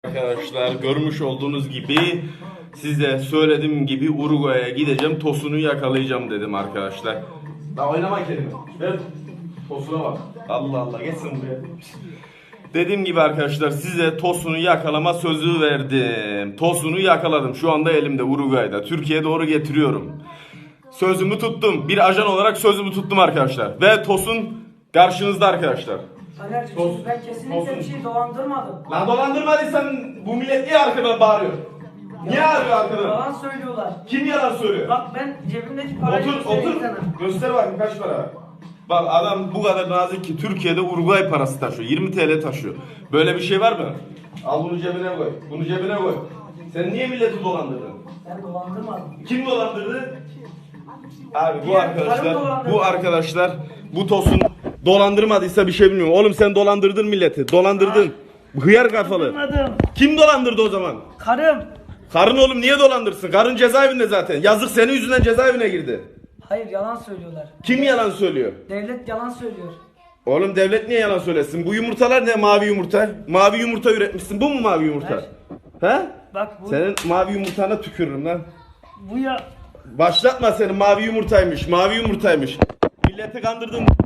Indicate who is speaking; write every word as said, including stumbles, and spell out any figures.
Speaker 1: Arkadaşlar görmüş olduğunuz gibi size söylediğim gibi Uruguay'a gideceğim, Tosun'u yakalayacağım dedim arkadaşlar. Daha oynama kelime. Ver Tosun'a bak. Allah Allah geçsin buraya. Dediğim gibi arkadaşlar size Tosun'u yakalama sözü verdim. Tosun'u yakaladım. Şu anda elimde Uruguay'da. Türkiye'ye doğru getiriyorum. Sözümü tuttum. Bir ajan olarak sözümü tuttum arkadaşlar. Ve Tosun karşınızda arkadaşlar.
Speaker 2: Taner'cim
Speaker 1: Tosun.
Speaker 2: ben kesinlikle
Speaker 1: Tosun.
Speaker 2: bir şey dolandırmadım.
Speaker 1: Lan dolandırmadıysan bu millet niye arkadan bağırıyor? Niye arıyor arkadan?
Speaker 2: Yalan söylüyorlar.
Speaker 1: Kim yalan söylüyor?
Speaker 2: Bak ben cebimdeki parayı
Speaker 1: Otur
Speaker 2: göstereyim
Speaker 1: otur.
Speaker 2: sana.
Speaker 1: Göster bakayım kaç para var. Bak adam bu kadar nazik ki Türkiye'de Uruguay parası taşıyor. yirmi TL taşıyor. Böyle bir şey var mı? Al bunu cebine koy. Bunu cebine koy. Sen niye milleti dolandırdın?
Speaker 2: Ben dolandırmadım.
Speaker 1: Kim dolandırdı? Abi bu
Speaker 2: Diğer
Speaker 1: arkadaşlar,
Speaker 2: karım dolandırdı.
Speaker 1: bu arkadaşlar, bu Tosun dolandırmadıysa bir şey bilmiyorum. Oğlum sen dolandırdın milleti. Dolandırdın. Hıyar kafalı.
Speaker 2: Dolandırmadım.
Speaker 1: Kim dolandırdı o zaman?
Speaker 2: Karım.
Speaker 1: Karın oğlum niye dolandırsın? Karın cezaevinde zaten. Yazık senin yüzünden cezaevine girdi.
Speaker 2: Hayır yalan söylüyorlar.
Speaker 1: Kim yalan söylüyor?
Speaker 2: Devlet yalan söylüyor.
Speaker 1: Oğlum devlet niye yalan söylesin? Bu yumurtalar ne mavi yumurta? Mavi yumurta üretmişsin. Bu mu mavi yumurta? He?
Speaker 2: Bak bu
Speaker 1: Senin mavi yumurtana tükürürüm lan.
Speaker 2: bu ya
Speaker 1: Başlatma senin mavi yumurtaymış. Mavi yumurtaymış. Milleti kandırdın.